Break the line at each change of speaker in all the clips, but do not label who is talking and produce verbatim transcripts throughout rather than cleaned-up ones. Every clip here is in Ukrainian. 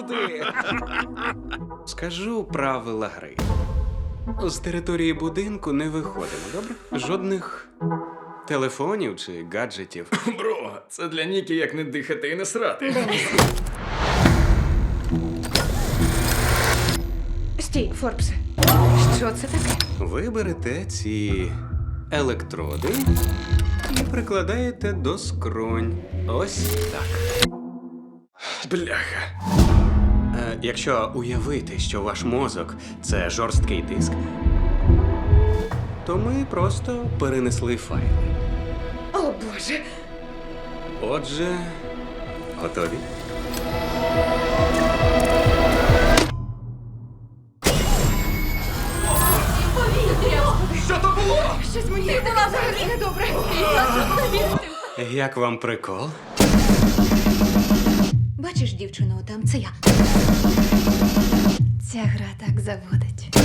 сюди.
Скажу правила гри. З території будинку не виходимо, добре? Жодних телефонів чи гаджетів.
Бро, це для Нікі як не дихати і не срати.
Стій, Форбс. Що це таке?
Ви берете ці електроди і прикладаєте до скронь. Ось так.
Бляха.
Е, якщо уявити, що ваш мозок це жорсткий диск, то ми просто перенесли файли.
О, Боже.
Отже, готові?
Що то було?
Щось мені дала взагалі недобре. Я цього не вірю.
Як вам прикол?
Бачиш, дівчино, там це я. Ця гра так заводить.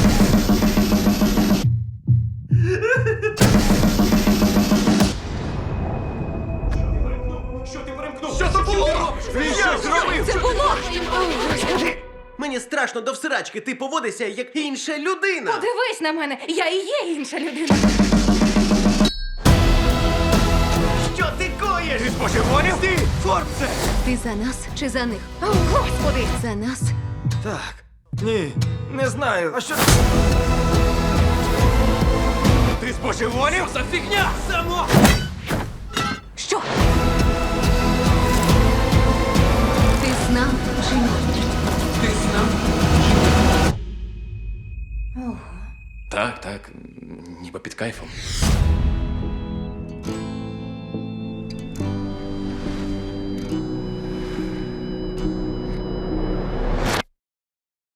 Що ти перемкнув? Що то було? Він що зробив?
Це було! О, Господи!
Мені страшно до всирачки, ти поводишся як інша людина.
Подивись на мене! Я і є інша людина.
Що ти коїш?
Ти споживонів? Ти, Форбсе!
Ти за нас чи за них? О, Господи! За нас?
Так. Ні, не знаю. А що? Ти споживонів? За фігня! Само!
Що? Ти знав чи ні?
Ти знав?
Ого.
Так, так, ніби під кайфом.